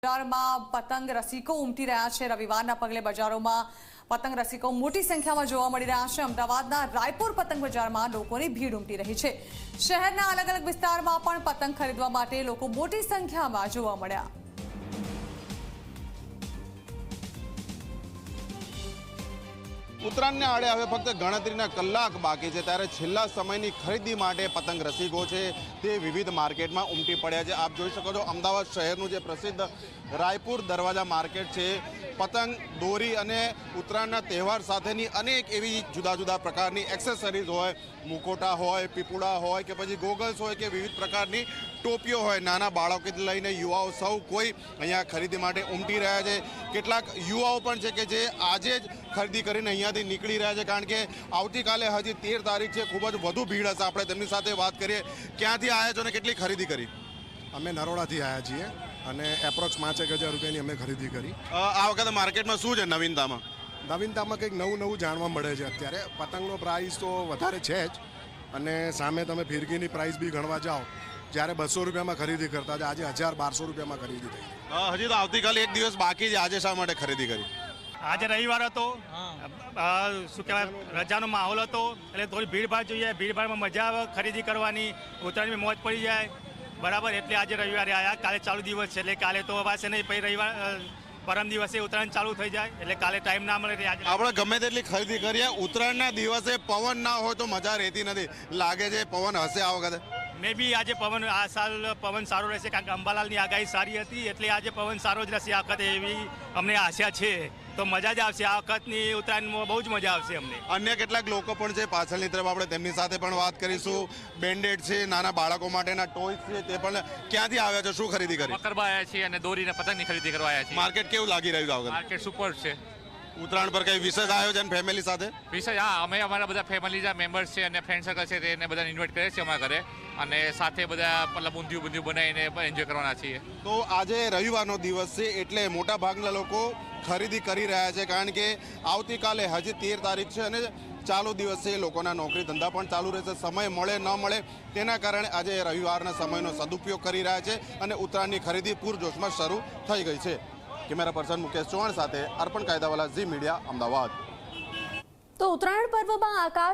બજારમાં પતંગ રસિકો ઉમટી રહ્યા છે। રવિવારના પગલે બજારોમાં પતંગ રસિકો મોટી સંખ્યામાં જોવા મળી રહ્યા છે। અમદાવાદના રાયપુર પતંગ બજારમાં લોકોની ભીડ ઉમટી રહી છે। શહેરના અલગ અલગ વિસ્તારમાં પણ પતંગ ખરીદવા માટે લોકો મોટી સંખ્યામાં જોવા મળ્યા। ઉત્તરાયણને આડે હવે ફક્ત ગણતરીના કલાક બાકી છે, ત્યારે છેલ્લા સમયની ખરીદી માટે પતંગ રસિકો છે તે વિવિધ માર્કેટમાં ઉમટી પડ્યા છે। આપ જોઈ શકો છો અમદાવાદ શહેરનું જે પ્રસિદ્ધ રાયપુર દરવાજા માર્કેટ છે, પતંગ દોરી અને ઉત્તરાયણના તહેવાર સાથેની અનેક એવી જુદા જુદા પ્રકારની એક્સેસરીઝ હોય, મુકોટા હોય, પીપુડા હોય કે પછી ગોગલ્સ હોય કે વિવિધ પ્રકારની ટોપીઓ હોય, નાના બાળકોથી લઈને યુવાઓ સૌ કોઈ અહીંયા ખરીદી માટે ઉમટી રહ્યા છે। કેટલાક યુવાઓ પણ છે કે જે આજે જ ખરીદી કરીને અહીંયાથી નીકળી રહ્યા છે, કારણ કે આવતીકાલે હજી 13 તારીખ છે, ખૂબ જ વધુ ભીડ હશે। આપણે તેમની સાથે વાત કરીએ। ક્યાંથી આવ્યા છો અને કેટલી ખરીદી કરી? અમે નરોડાથી આવ્યા છીએ અને એપ્રોક્સ 5,000 રૂપિયાની અમે ખરીદી કરી। આ વખતે માર્કેટમાં શું છે નવીનતામાં? નવીનતામાં કંઈક નવું જાણવા મળે છે। અત્યારે પતંગનો પ્રાઇસ તો વધારે છે જ, અને સામે તમે ફિરકીની પ્રાઇસ બી ગણવા જાઓ, જ્યારે 200 રૂપિયામાં ખરીદી કરતા હતા, આજે 1,000-1,200 રૂપિયામાં ખરીદી થઈ। હજી તો આવતીકાલે એક દિવસ બાકી છે, આજે શા માટે ખરીદી કરી? આજે રવિવાર હતો, શું કહેવાય, રજાનો માહોલ હતો, એટલે થોડી ભીડભાડ જોઈએ, ભીડભાડમાં મજા આવે ખરીદી કરવાની, ઉત્તરાયણની મોજ પડી જાય, બરાબર। એટલે આજે રવિવારે આવ્યા। કાલે ચાલુ દિવસ છે, એટલે કાલે તો અવાશે નહીં, પછી રવિવાર પરમ દિવસે ઉત્તરાયણ ચાલુ થઈ જાય, એટલે કાલે ટાઈમ ના મળે। આપણે ગમે તેટલી ખરીદી કરીએ, ઉત્તરાયણના દિવસે પવન ના હોય તો મજા રહેતી નથી। લાગે છે પવન હશે આ વખતે? મે બી આજે પવન, આ સાલ પવન સારો રહેશે, કારણ કે અંબાલાલની આગાહી સારી હતી, એટલે આજે પવન સારો જ રહેશે આ વખતે, એવી અમને આશા છે। તો મજા જ આવશે આ વખતની ઉત્તરાયણમાં, બહુ જ મજા આવશે અમને। અન્ય કેટલાક લોકો પણ છે પાછળની તરફ, આપણે તેમની સાથે પણ વાત કરીશું। બેન્ડેડ છે, નાના બાળકો માટેના ટોયસ છે, તે પણ ક્યાંથી આવ્યા છો, શું ખરીદી કરી? મકરબા આવ્યા છીએ અને દોરીને પતંગની ખરીદી કરવા આવ્યા છીએ। માર્કેટ કેવું લાગી રહ્યું આ વખતે? માર્કેટ સુપર છે। ઉત્તરાયણ પર કઈ વિશેષ આયોજન ફેમિલી સાથે? વિશેષ, હા, અમે અમારા બધા ફેમિલી મેમ્બર્સ છે અને ફ્રેન્ડ સર્કલ છે તેને બધાને ઇન્વાઇટ કરીએ છીએ અમારા ઘરે, અને સાથે બધા મતલબ ઊંધિયું બનાવીને એન્જોય કરવાના છીએ। તો આજે રવિવારનો દિવસ છે, એટલે મોટા ભાગના લોકો ખરીદી કરી રહ્યા છે, કારણ કે આવતીકાલે હજી 13 તારીખ છે અને ચાલુ દિવસે લોકોના નોકરી ધંધા પણ ચાલુ રહેશે। સમય મળે ન મળે તેના કારણે આજે રવિવારના સમયનો સદુપયોગ કરી રહ્યા છે અને ઉત્તરાયણની ખરીદી પૂરજોશમાં શરૂ થઈ ગઈ છે। કેમેરા પર્સન મુકેશ ચૌહાણ સાથે અર્પણ કાયદાવાલા, ઝી મીડિયા, અમદાવાદ। તો ઉત્તરાયણ પર્વમાં આકાશ